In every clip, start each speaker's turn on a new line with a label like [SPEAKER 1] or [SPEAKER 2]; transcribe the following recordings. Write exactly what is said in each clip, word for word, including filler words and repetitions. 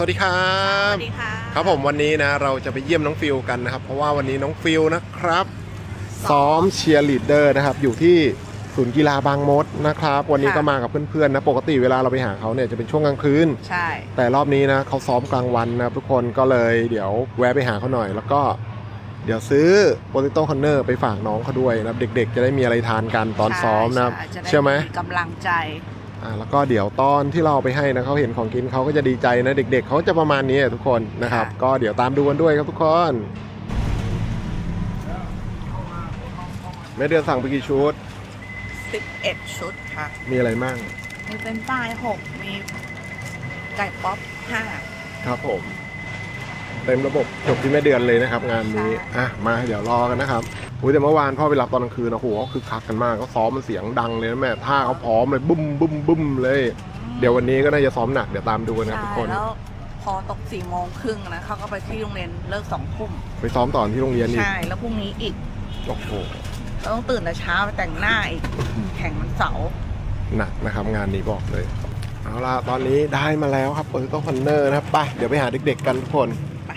[SPEAKER 1] วัสดีครับ
[SPEAKER 2] สวัสดีค่ะ
[SPEAKER 1] ครับผมวันนี้นะเราจะไปเยี่ยมน้องฟิลกันนะครับเพราะว่าวันนี้น้องฟิลนะครับซ้อมเชียร์ลีดเดอร์นะครับอยู่ที่ศูนย์กีฬาบางมดนะครับวันนี้ก็มากับเพื่อนๆนะปกติเวลาเราไปหาเขาเนี่ยจะเป็นช่วงกลางคืน
[SPEAKER 2] ใช่
[SPEAKER 1] แต่รอบนี้นะเขาซ้อมกลางวันนะทุกคนก็เลยเดี๋ยวแวะไปหาเขาหน่อยแล้วก็เดี๋ยวซื้อโปเตโต้คอนเนอร์ไปฝากน้องเขาด้วยนะเด็กๆจะได้มีอะไรทานกันตอนซ้อมนะครับเชื่อไหม
[SPEAKER 2] กำลังใจ
[SPEAKER 1] อ่าแล้วก็เดี๋ยวตอนที่เราไปให้นะเขาเห็นของกินเขาก็จะดีใจนะเด็กๆเขาจะประมาณนี้ทุกคนนะครับก็เดี๋ยวตามดูกันด้วยครับทุกคนแม่เดือนสั่งไปกี่ชุด
[SPEAKER 2] สิบเอ็ดชุดค่ะ
[SPEAKER 1] มีอะไรบ้าง
[SPEAKER 2] มีเป็นป้ายหกมีไก่ป๊อปห้า
[SPEAKER 1] ครับผมเต็มระบบจบที่แม่เดือนเลยนะครับงานนี้อ่ะมาเดี๋ยวรอกันนะครับอุ้ยแต่เมื่อวานพ่อไปรับตอนกลางคืนนะโหเขาคือคักกันมากเขาซ้อมมันเสียงดังเลยนะแม่ท่าเขาพร้อมเลยบุ้มบุ้มบุ้มเลยเดี๋ยววันนี้ก็น่าจะซ้อมหนักเดี๋ยวตามดูกันนะทุกคน
[SPEAKER 2] แล้วพอตกสี่โมงครึ่งนะเขาก็ไปที่โรงเรียนเลิกสองทุ่ม
[SPEAKER 1] ไปซ้อมต่อที่โรงเรียนอีก
[SPEAKER 2] ใช่แล้วพรุ่งนี้อีก
[SPEAKER 1] โอ้โห
[SPEAKER 2] เราต้องตื่นแต่เช้าไปแต่งหน้าอีกแข่งวันเสาร์
[SPEAKER 1] หนักนะครับงานนี้บอกเลยเอาล่ะตอนนี้ได้มาแล้วครับโปเตโต้คอนเนอร์นะครับไปเดี๋ยวไปหาเด็กๆกันทุกคน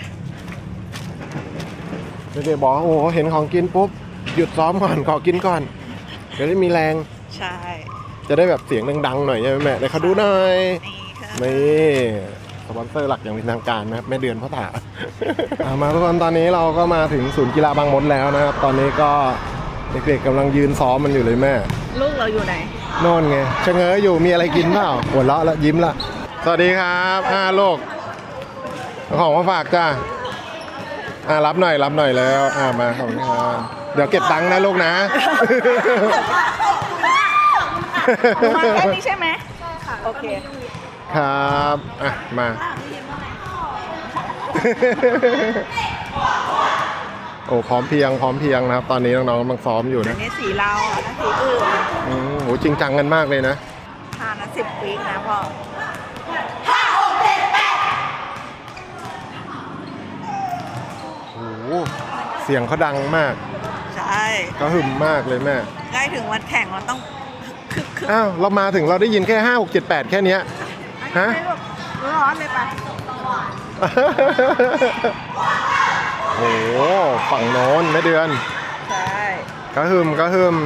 [SPEAKER 1] เด็กๆบอกโอ้โหเห็นของกินปุ๊บหยุดซ้อมก่อนขอกินก่อนเดี๋ยวได้มีแรง
[SPEAKER 2] ใช่
[SPEAKER 1] จะได้แบบเสียงดังๆหน่อยใช่ไหมแม่เดี๋ยวเขาดูหน่อยนี่สปอนเซอร์หลักอย่างเป็นทางการนะครับแม่เดือนพ่อตา มาทุกคนตอนนี้เราก็มาถึงศูนย์กีฬาบางมดแล้วนะครับตอนนี้ก็เด็กๆกำลังยืนซ้อมมันอยู่เลยแม่
[SPEAKER 2] ลูกเราอยู่ไหน
[SPEAKER 1] โน่นไงชะเง้ออยู่มีอะไรกินเปล่าหัวเราะแล้วยิ้มละสวัสดีครับอ่าลูกของมาฝากจ้าอ่ารับหน่อยรับหน่อยแล้วอ่ามาขอบคุณครับเดี๋ยวเก็บตังค์นะลูกนะ
[SPEAKER 2] มาแค่นี้ใช่ไหมใช่ค่ะโอเค
[SPEAKER 1] ครับอ่ะมาโอ้พร้อมเพียงพร้อมเพียงนะครับตอนนี้น้องๆกำลังซ้อมอยู่นะ
[SPEAKER 2] อันนี้สีเราอันนั้นสีอื่น
[SPEAKER 1] อืมโหจริงจังกันมากเลยนะ
[SPEAKER 2] ทานนะสิบปีนะพ่อ
[SPEAKER 1] ห้าหกเจ็ดแปดโอ้โหเสียงเขาดังมาก
[SPEAKER 2] ใช่
[SPEAKER 1] ก็หึมมากเลยแม่
[SPEAKER 2] ใกล้ถึงวันแข่งเราต้องคึกคึก
[SPEAKER 1] อ้าวเรามาถึงเราได้ยินแค่ห้าหกเจ็ดแปดแค่นี้ฮะ
[SPEAKER 2] ร้อนเลยปะ
[SPEAKER 1] โอ้โหฝั่งโน้นแม่เดือน
[SPEAKER 2] ใช่
[SPEAKER 1] ก็หึมก็หึม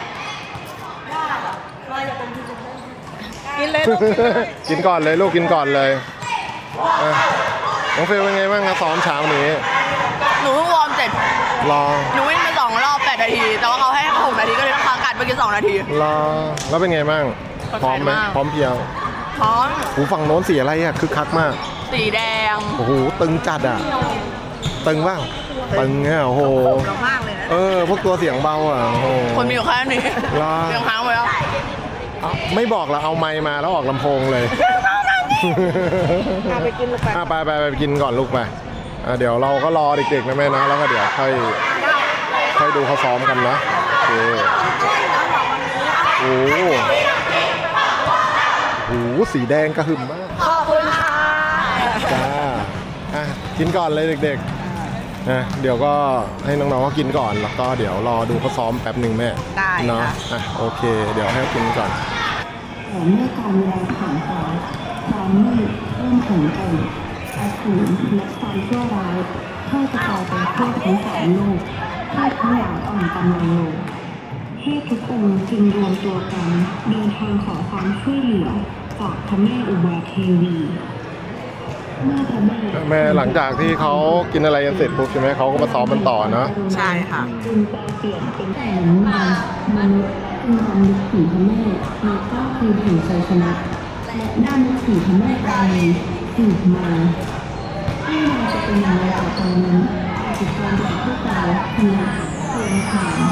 [SPEAKER 2] กินเลยลูก
[SPEAKER 1] กินก่อนเลยลูกกินก่อนเลยน้องเฟลเป็นไงบ้างครับซ้อมเช้านี้
[SPEAKER 2] หนูเพิ่งวอร์มเสร็จ
[SPEAKER 1] รอ
[SPEAKER 2] หนูวิ่งไปสองรอบแปดนาทีแต่ว่าเขาให้หกนาทีก็เลยต้องค้างการไปกินสองนาที
[SPEAKER 1] รอแล้วเป็นไงบ้างพร้อมไหมพร้อมเพียง
[SPEAKER 2] พร้อม
[SPEAKER 1] หูฝั่งโน้นสีอะไรอ่ะคึกคักมาก
[SPEAKER 2] สีแดง
[SPEAKER 1] โอ้โหตึงจัดอ่ะตึงบ้างตึงเนี่ยโอ้โห
[SPEAKER 2] มากเลยนะ
[SPEAKER 1] เออพวกตัวเสียงเบาอ่ะโอ้โห
[SPEAKER 2] คนมีอยู่แค่นี้เสียงค้างไปแล้ว
[SPEAKER 1] ไม่บอกเราเอาไมค์มาแล้วออกลำโพงเลย
[SPEAKER 2] ไปกินลูกไป
[SPEAKER 1] ไปไปไปกินก่อนลูกไปเดี๋ยวเราก็รอเด็กๆนะแม่นะแล้วก็เดี๋ยวค่อยค่อยดูเขาซ้อมกันนะโอเคโอ้โหสีแดงกระหึ่มมาก
[SPEAKER 2] ขอบคุณค่ะ
[SPEAKER 1] จ้าอ่ะกินก่อนเลยเด็กๆนะเดี๋ยวก็ให้น้องๆเขากินก่อนแล้วก็เดี๋ยวรอดูเขาซ้อมแป๊บหนึ่งแม่
[SPEAKER 2] ได้
[SPEAKER 1] เนาะอ่ะโอเคเดี๋ยวให้เขากินก่อน
[SPEAKER 3] แต่เมื่อการเวลาผ่านไปความมืดเริ่มแข็งแกร่งอสูรและความชั่วร้ายเข้ากระจายไปทั่วทั้งสามโลกให้ทั้งหลายอ่อนกำลังลงให้ทุกองค์จึงรวมตัวกันเดินทางขอความช่วยเหลือจากพระแม่อุบาเทวีเมื่อพระแม่
[SPEAKER 1] แม่หลังจากที่เขากินอะไรกันเสร็จปุ๊บใช่ไหมเขาก็มาซ้อมมันต่อเนาะ
[SPEAKER 2] ใช่ค่ะ
[SPEAKER 3] จึงแปลเปลี่ยนเป็นแต่หนึ่งมันมนุษย์จึงทำนึกถึงพระแม่ในเก้าคืนแห่งชัยชนะและด้านนึกถึงพระแม่ปราณีสืบมาไม่ว่าจะเป็นอย่างไรก็ตามนั้นจิตใจของพวกเราคือเปลี่ยนผ่าน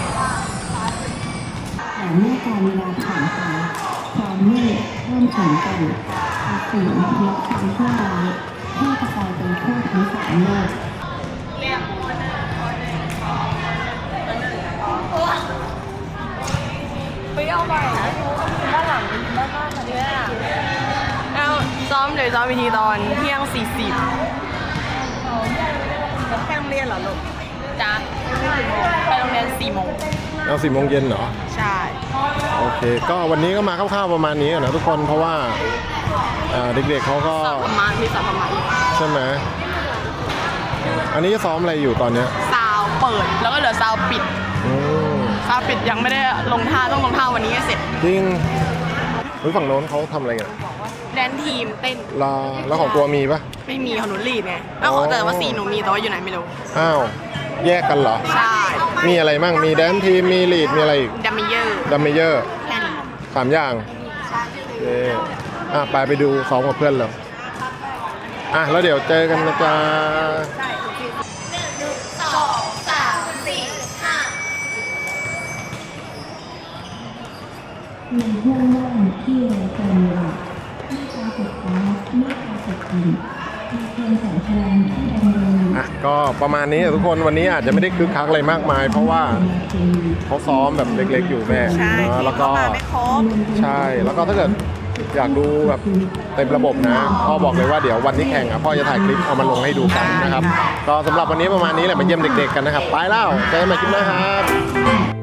[SPEAKER 3] แต่เมื่อการเวลาผ่านไปความมืดเริ่มแข็งแกร่งอสูรและความชั่วร้ายแพร่กระจายไปทั่วทั้งสามโลก
[SPEAKER 2] ไปเอาไปนะด้านหลังด้านหน้าค่ะเนี่ยเอาซ้อมเดี๋ยวซ้อมวิธีตอนเที่ยงสี่สิบแค่โรงเรียนเหรอลูกจ้าไปโรงเรียนสี่โมง
[SPEAKER 1] เอาสี่โมงเย็นเหรอ
[SPEAKER 2] ใช่
[SPEAKER 1] โอเคก็วันนี้ก็มาคร่าวๆประมาณนี้นะทุกคนเพราะว่าอ่าเด็กๆเขาก็
[SPEAKER 2] สาวประมาณมีสาวประมาณ
[SPEAKER 1] ใช่ไหมอันนี้ซ้อมอะไรอยู่ตอนเนี้ย
[SPEAKER 2] ซาวเปิดแล้วก็เหลือซาวปิด
[SPEAKER 1] อืม
[SPEAKER 2] ซาวปิดยังไม่ได้ลงท่าต้องลงท่าวันนี้ให้เสร็จ
[SPEAKER 1] จริงเฮ้ยฝั่งโน้นเขาทำอะไรกัน
[SPEAKER 2] แดนทีมเต้น
[SPEAKER 1] ลาแล้วของตัวมีปะ
[SPEAKER 2] ไม่มีของหนูลีดไงแล้ว
[SPEAKER 1] อ๋อ
[SPEAKER 2] แต่ว่าสีหนูมีแต่ว่าอยู่ไหนไม่รู้
[SPEAKER 1] อ้าวแยกกันเหรอ
[SPEAKER 2] ใช่
[SPEAKER 1] มีอะไรมั่งมีแดนทีมมีลีดมีอะไรอีก
[SPEAKER 2] ดัมเมเยอร์
[SPEAKER 1] ดัมเมเยอร์
[SPEAKER 2] แค่นี้
[SPEAKER 1] สามอย่างเอออ่ะไปไปดูซ้อมกับเพื่อนเลยอ่ะแล้วเดี๋ยวเจอกันนะจ๊ะ
[SPEAKER 2] สองสามสี่ห้า
[SPEAKER 3] ในห้วงว่างที่ไร้การเวลาไม่ปรากฏฟ้าไม่ปรากฏดินมีเพียงแสงพลังที่ดำรงอยู่
[SPEAKER 1] อ่ะก็ประมาณนี้ทุกคนวันนี้อาจจะไม่ได้คึกคักอะไรมากมาย เพราะว่าเขาซ้อมแบบเล็กๆอยู่แม่
[SPEAKER 2] ใช่
[SPEAKER 1] เนอะแล้วก็
[SPEAKER 2] มาไม่ครบ
[SPEAKER 1] ใช่แล้วก็ถ้าเกิดอยากดูแบบเต็มระบบนะพ่อบอกเลยว่าเดี๋ยววันที่แข่งอ่ะพ่อจะถ่ายคลิปเอามาลงให้ดูกันนะครับ ก็สำหรับวันนี้ประมาณนี้แหละมาเยี่ยมเด็กๆกันนะครับไปแล้วเจอกันใหม่คลิปหน้าครับ